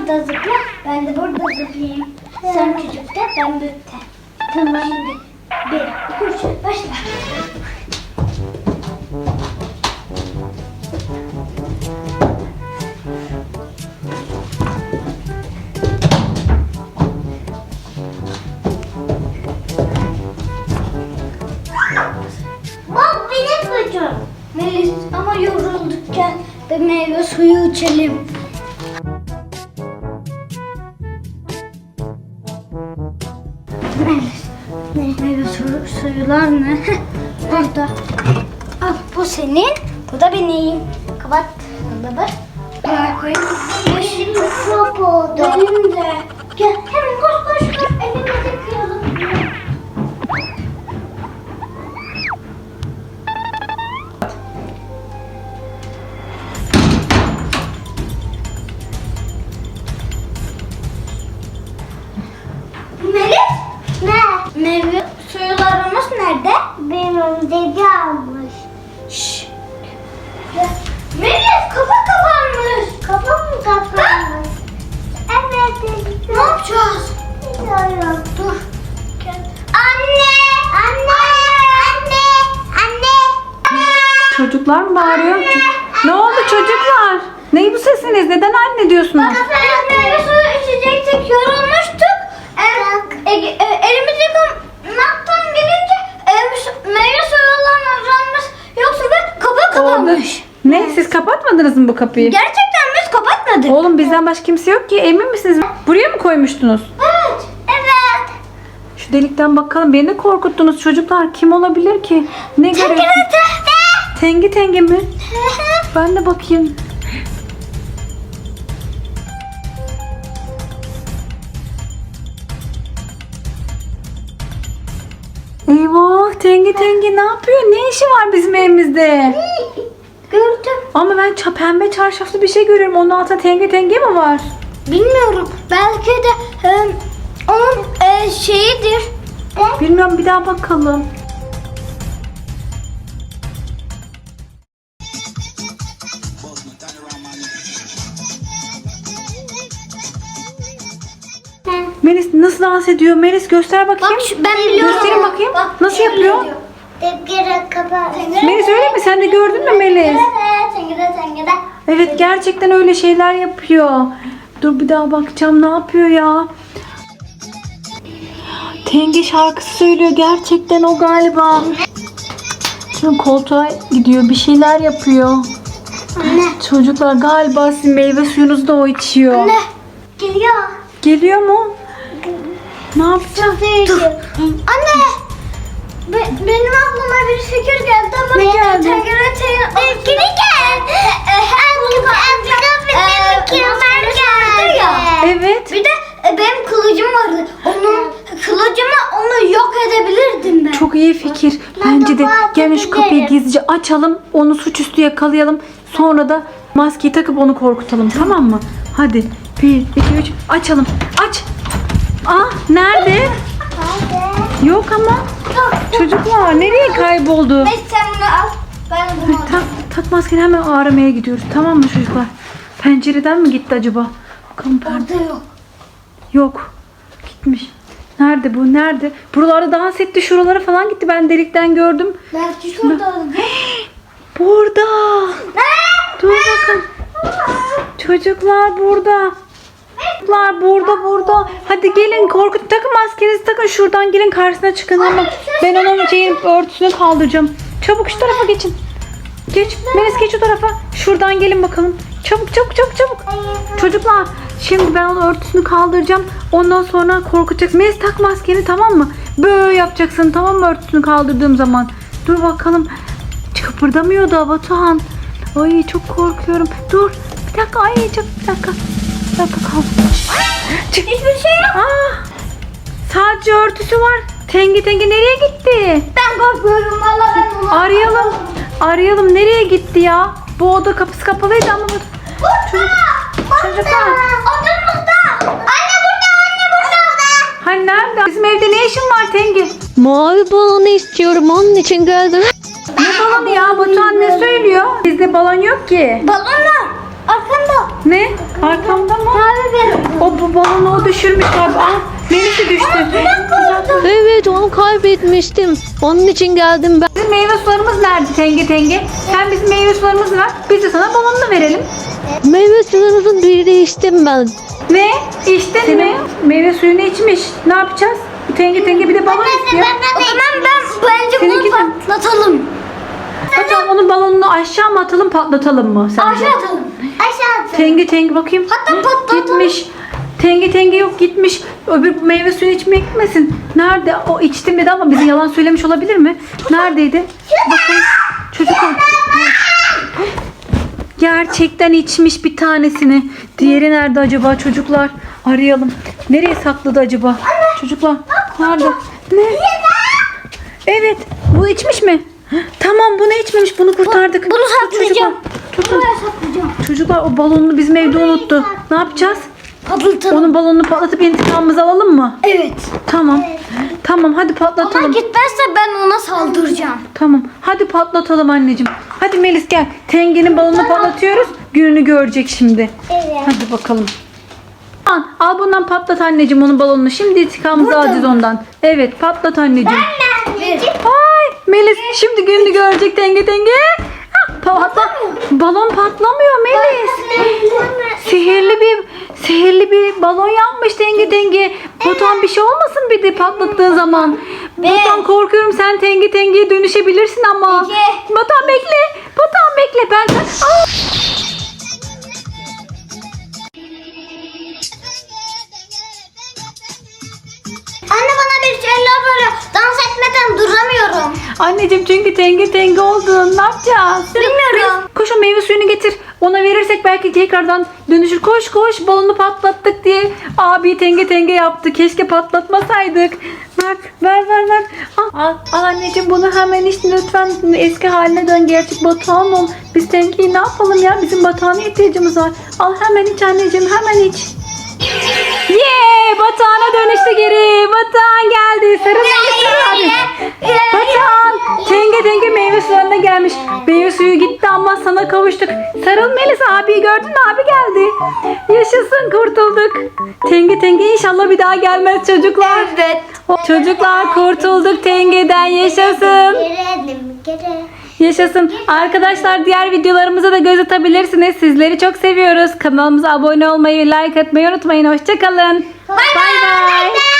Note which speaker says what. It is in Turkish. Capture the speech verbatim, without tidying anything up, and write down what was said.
Speaker 1: burada zıpla. Ben de burada zıplayayım. Sen küçükte, ben büyükte. Tamam. Şimdi bir, iki, üç, başla. Bak benim çocuğum. Melis ama yoruldukken bir meyve suyu içelim. Melis, ne? Meyve suyu, suyular ne? Burada. Al, bu senin, bu da benim. Kapat dolabı. Buraya koyayım. Benim mikrop oldu. Benim de. Gel, hemen koş koş koş. Elimizi yıkayalım. Melis? Ne? Meyve suyularımız nerede? Benim dedi almış. Şşş. Melis, kapı kapanmış. Kapı mı kapanmış? Evet dedi. Ne yapacağız? Bilmiyorum. Dur. Gel. Anne! Anne! Anne! Anne!
Speaker 2: Çocuklar mı bağırıyor? Ne oldu çocuklar? Ne bu sesiniz? Neden anne diyorsunuz?
Speaker 1: Bak, biz meyve suyu içecektik, yorulmuştuk. E, e, e, elimizi yıkamaktan gelince e, meyve suyundan uzanmış yoksa da kapı kapanmış.
Speaker 2: Ne? Siz kapatmadınız mı bu kapıyı?
Speaker 1: Gerçekten biz kapatmadık.
Speaker 2: Oğlum bizden başka kimse yok ki. Emin misiniz? Buraya mı koymuştunuz?
Speaker 1: Evet. Evet.
Speaker 2: Şu delikten bakalım. Beni de korkuttunuz çocuklar. Kim olabilir ki? Ne görüyorsun? Tengi Tengi mi? Ben de bakayım. Eyvah, Tengi Tengi ne yapıyor? Ne işi var bizim evimizde?
Speaker 1: Gördüm.
Speaker 2: Ama ben ça- pembe çarşaflı bir şey görüyorum. Onun altında Tengi Tengi mi var?
Speaker 1: Bilmiyorum. Belki de e, onun e, şeyidir.
Speaker 2: Bilmiyorum, bir daha bakalım. Melis nasıl dans ediyor? Melis göster bakayım.
Speaker 1: Bak şu, ben biliyorum.
Speaker 2: Gösterin bakayım.
Speaker 1: Bak,
Speaker 2: Nasıl
Speaker 1: şöyle
Speaker 2: yapıyor?
Speaker 1: diyor. Tengere kapat.
Speaker 2: Melis öyle mi? Sen de gördün mü Melis?
Speaker 1: Tengere tengere.
Speaker 2: Evet, gerçekten öyle şeyler yapıyor. Dur bir daha bakacağım, ne yapıyor ya? Tengi şarkısı söylüyor, gerçekten o galiba. Şimdi koltuğa gidiyor, bir şeyler yapıyor.
Speaker 1: Anne.
Speaker 2: Çocuklar galiba sizin meyve suyunuzu da o içiyor.
Speaker 1: Anne. Geliyor.
Speaker 2: Geliyor mu? Ne yapacağız?
Speaker 1: Dur. Anne. Be- benim aklıma bir fikir geldi ama
Speaker 2: Ne geldi?
Speaker 1: Tengere tengere. Geri gel.
Speaker 2: Evet.
Speaker 1: Bir de e, benim kılıcım vardı. Onun kılıcımla onu yok edebilirdim ben.
Speaker 2: Çok iyi fikir. Bence de gelin şu kapıyı gizlice açalım. Onu suçüstü yakalayalım. Sonra da maskeyi takıp onu korkutalım. Tamam mı? Hadi. Bir, iki, üç. Açalım. Aç. Aa, nerede? Yok ama. Çocuklar nereye kayboldu?
Speaker 1: Neyse sen bunu al. Ben bunu alayım.
Speaker 2: Tak, tak maskeni, hemen aramaya gidiyoruz. Tamam mı çocuklar? Pencereden mi gitti acaba? Bakalım perde.
Speaker 1: Orada yok.
Speaker 2: Yok. Gitmiş. Nerede bu? Nerede? Buralarda dans etti. Şuralara falan gitti. Ben delikten gördüm.
Speaker 1: Belki şurada.
Speaker 2: Burada. Dur bakın. Çocuklar burada. Çocuklar burada burada. Hadi gelin, korkut. Takın maskenizi takın. Şuradan gelin, karşısına çıkın ama. Ben onun şeyin örtüsünü kaldıracağım. Çabuk şu tarafa geçin. Geç. Melis geç o tarafa. Şuradan gelin bakalım. Çabuk çabuk çabuk çabuk. Çocuklar şimdi ben onun örtüsünü kaldıracağım. Ondan sonra korkutacaksın. Melis tak maskeni, tamam mı? Böyle yapacaksın, tamam mı, örtüsünü kaldırdığım zaman. Dur bakalım. Kıpırdamıyor da Batuhan. Ay çok korkuyorum. Dur. Bir dakika. Ay çok bir dakika. Bir dakika kal.
Speaker 1: Hiçbir şey yok.
Speaker 2: Aa, sadece örtüsü var. Tengi Tengi nereye gitti?
Speaker 1: Ben korkmuyorum valla ben bunu.
Speaker 2: Arayalım. Arayalım. Nereye gitti ya? Bu oda kapısı kapalıydı ama bu... Çocuk, çocuklar.
Speaker 1: Odamızda. Anne burada, anne burada.
Speaker 2: Hani nerede? Bizim evde ne işin var Tengi?
Speaker 3: Mavi balonu istiyorum, onun için geldim.
Speaker 2: Ne balonu ya? Batuhan ne söylüyor? Bizde balon yok ki.
Speaker 1: Balonlar. Arkamda.
Speaker 2: Ne? Arkamda mı?
Speaker 1: Mavi benim.
Speaker 2: o düşürmüş galiba. Aa, Melis'i düştü.
Speaker 3: Evet onu kaybetmiştim. Onun için geldim ben.
Speaker 2: Bizim meyve sularımız nerede Tenge Tenge? Sen bizim meyve sularımızı ver. Biz de sana balonunu verelim.
Speaker 3: Meyve sularınızın birini içtim ben.
Speaker 2: Ne? İçtin mi? Meyve suyunu içmiş. Ne yapacağız? Tenge Tenge bir de balon istiyor.
Speaker 1: O zaman ben bence bunu
Speaker 2: Seninki de-
Speaker 1: patlatalım.
Speaker 2: Hocam onun balonunu aşağı mı atalım patlatalım mı sence?
Speaker 1: Aşağı atalım. Aşağı atalım.
Speaker 2: Tenge Tenge bakayım.
Speaker 1: Hatta
Speaker 2: Hı,
Speaker 1: patlatalım.
Speaker 2: Gitmiş. Tenge Tenge yok gitmiş. Öbür meyve suyu içmeye gitmesin. Nerede? O içtim dedi ama bize yalan söylemiş olabilir mi? Neredeydi? Bakın. Çocuk o. Gerçekten içmiş bir tanesini. Diğeri nerede acaba çocuklar? Arayalım. Nereye sakladı acaba? Çocuklar nerede? Ne? Evet. Bu içmiş mi? Tamam bunu içmemiş. Bunu kurtardık.
Speaker 1: Bunu saklayacağım.
Speaker 2: Tutun.
Speaker 1: Buraya saklayacağım.
Speaker 2: Çocuklar o balonunu bizim evde unuttu. Ne yapacağız?
Speaker 1: Patlatalım.
Speaker 2: Onun balonunu patlatıp intikamımızı alalım mı?
Speaker 1: Evet.
Speaker 2: Tamam. Tamam hadi
Speaker 1: Ama
Speaker 2: patlatalım.
Speaker 1: gitmezse ben ona saldıracağım.
Speaker 2: Tamam. Hadi patlatalım anneciğim. Hadi Melis gel. Tenge'nin balonunu patlatıyoruz. Gününü görecek şimdi.
Speaker 1: Evet.
Speaker 2: Hadi bakalım. Al, al bundan patlat anneciğim onun balonunu. Şimdi intikamımızı alacağız ondan. Evet patlat anneciğim. Ay Melis şimdi gününü görecek Tenge Tenge. Ah, patla. Balon patlamıyor Melis. Sihirli bir sihirli bir balon yapmış Tenge Tenge. Batuhan bir şey olmasın bir de patlattığı zaman. Batuhan korkuyorum sen Tenge Tenge'ye dönüşebilirsin ama.
Speaker 1: Peki.
Speaker 2: Batuhan bekle. Batuhan bekle ben. Aa!
Speaker 1: Anne bana bir şeyler böyle dans etmeden duramıyorum.
Speaker 2: Anneciğim çünkü Tenge Tenge oldun. Ne yapacağız?
Speaker 1: Bilmiyorum.
Speaker 2: Koş o meyve suyunu getir. Ona verirsek belki tekrardan dönüşür. Koş koş balonu patlattık diye abi Tenge Tenge yaptı. Keşke patlatmasaydık. Ver ver ver ver. Al, al, al anneciğim bunu hemen iç lütfen eski haline dön. Gerçek Batuhan ol. Biz Tenge'yi ne yapalım ya? Bizim Batuhan'a ihtiyacımız var. Al hemen iç anneciğim hemen iç. Yeee Batuhan'a dönüştü geri. Batuhan geldi. Sarıl Melis abi. Batuhan Tenge Tenge meyve sularına gelmiş. Meyve suyu gitti ama sana kavuştuk. Sarıl Melis abi gördün mü abi geldi. Yaşasın kurtulduk. Tenge Tenge inşallah bir daha gelmez çocuklar.
Speaker 1: Evet.
Speaker 2: Çocuklar kurtulduk Tenge'den yaşasın. Yaşasın. Arkadaşlar diğer videolarımıza da göz atabilirsiniz. Sizleri çok seviyoruz. Kanalımıza abone olmayı, like atmayı unutmayın. Hoşçakalın.
Speaker 1: Bay bay.